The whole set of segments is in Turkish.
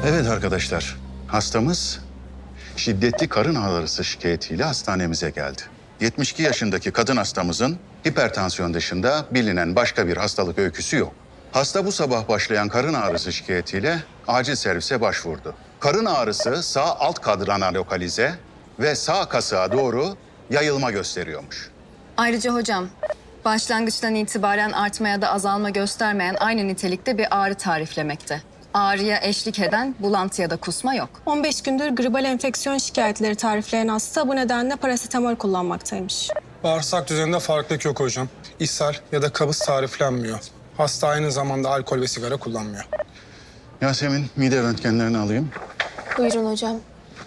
Evet arkadaşlar, hastamız şiddetli karın ağrısı şikayetiyle hastanemize geldi. 72 yaşındaki kadın hastamızın hipertansiyon dışında bilinen başka bir hastalık öyküsü yok. Hasta bu sabah başlayan karın ağrısı şikayetiyle acil servise başvurdu. Karın ağrısı sağ alt kadrana lokalize ve sağ kasığa doğru yayılma gösteriyormuş. Ayrıca hocam, başlangıçtan itibaren artma ya da azalma göstermeyen aynı nitelikte bir ağrı tariflemekte. Ağrıya eşlik eden bulantı ya da kusma yok. 15 gündür gribal enfeksiyon şikayetleri tarifleyen hasta bu nedenle parasetamol kullanmaktaymış. Bağırsak düzeninde farklılık yok hocam. İshal ya da kabız tariflenmiyor. Hasta aynı zamanda alkol ve sigara kullanmıyor. Yasemin, mide röntgenlerini alayım. Buyurun hocam.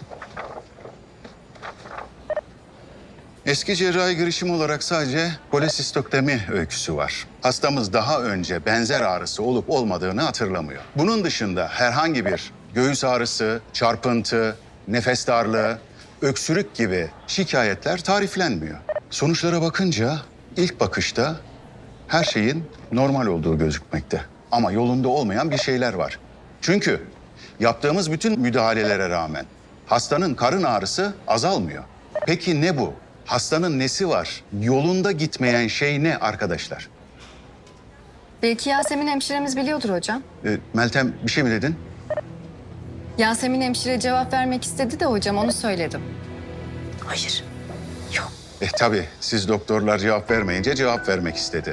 Eski cerrahi girişim olarak sadece kolesistoktomi öyküsü var. Hastamız daha önce benzer ağrısı olup olmadığını hatırlamıyor. Bunun dışında herhangi bir göğüs ağrısı, çarpıntı, nefes darlığı, öksürük gibi şikayetler tariflenmiyor. Sonuçlara bakınca ilk bakışta her şeyin normal olduğu gözükmekte. Ama yolunda olmayan bir şeyler var. Çünkü yaptığımız bütün müdahalelere rağmen hastanın karın ağrısı azalmıyor. Peki ne bu? Hastanın nesi var? Yolunda gitmeyen şey ne arkadaşlar? Belki Yasemin hemşiremiz biliyordur hocam. Meltem bir şey mi dedin? Yasemin hemşire cevap vermek istedi de hocam onu söyledim. Hayır. Tabii siz doktorlar cevap vermeyince cevap vermek istedi.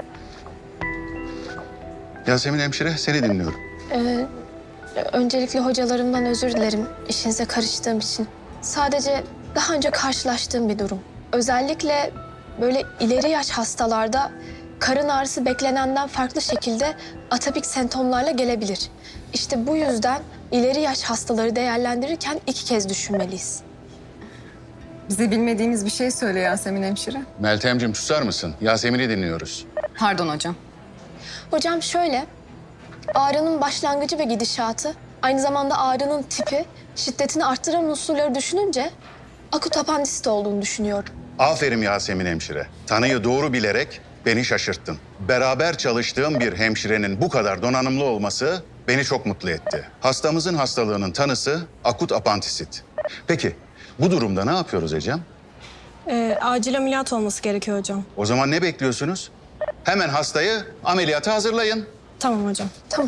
Yasemin hemşire seni dinliyorum. Öncelikle hocalarımdan özür dilerim işinize karıştığım için. Sadece daha önce karşılaştığım bir durum. Özellikle böyle ileri yaş hastalarda karın ağrısı beklenenden farklı şekilde atopik semptomlarla gelebilir. İşte bu yüzden ileri yaş hastaları değerlendirirken 2 kez düşünmeliyiz. Bize bilmediğimiz bir şey söyle Yasemin hemşire. Meltemciğim susar mısın? Yasemin'i dinliyoruz. Pardon hocam. Hocam şöyle, ağrının başlangıcı ve gidişatı, aynı zamanda ağrının tipi, şiddetini arttıran unsurları düşününce akut apandisit olduğunu düşünüyorum. Aferin Yasemin hemşire. Tanıyı doğru bilerek beni şaşırttın. Beraber çalıştığım bir hemşirenin bu kadar donanımlı olması beni çok mutlu etti. Hastamızın hastalığının tanısı akut apandisit. Peki bu durumda ne yapıyoruz Ecem? Acil ameliyat olması gerekiyor hocam. O zaman ne bekliyorsunuz? Hemen hastayı ameliyata hazırlayın. Tamam hocam. Tamam.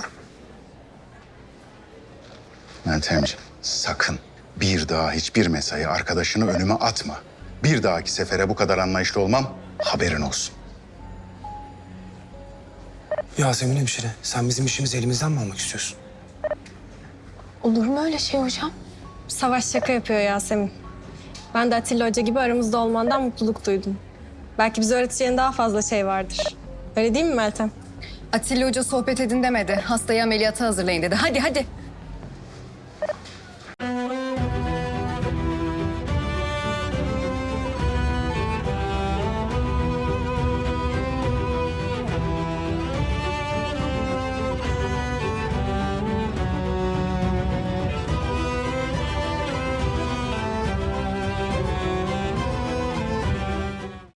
Meltemciğim sakın bir daha hiçbir mesai arkadaşını önüme atma. Bir dahaki sefere bu kadar anlayışlı olmam haberin olsun. Yasemin hemşire, sen bizim işimizi elimizden mi almak istiyorsun? Olur mu öyle şey hocam? Savaş şaka yapıyor Yasemin. Ben de Atilla Hoca gibi aramızda olmandan mutluluk duydum. Belki bize öğreteceğin daha fazla şey vardır. Öyle değil mi Meltem? Atilla Hoca sohbet edin demedi. Hastayı ameliyata hazırlayın dedi. Hadi hadi.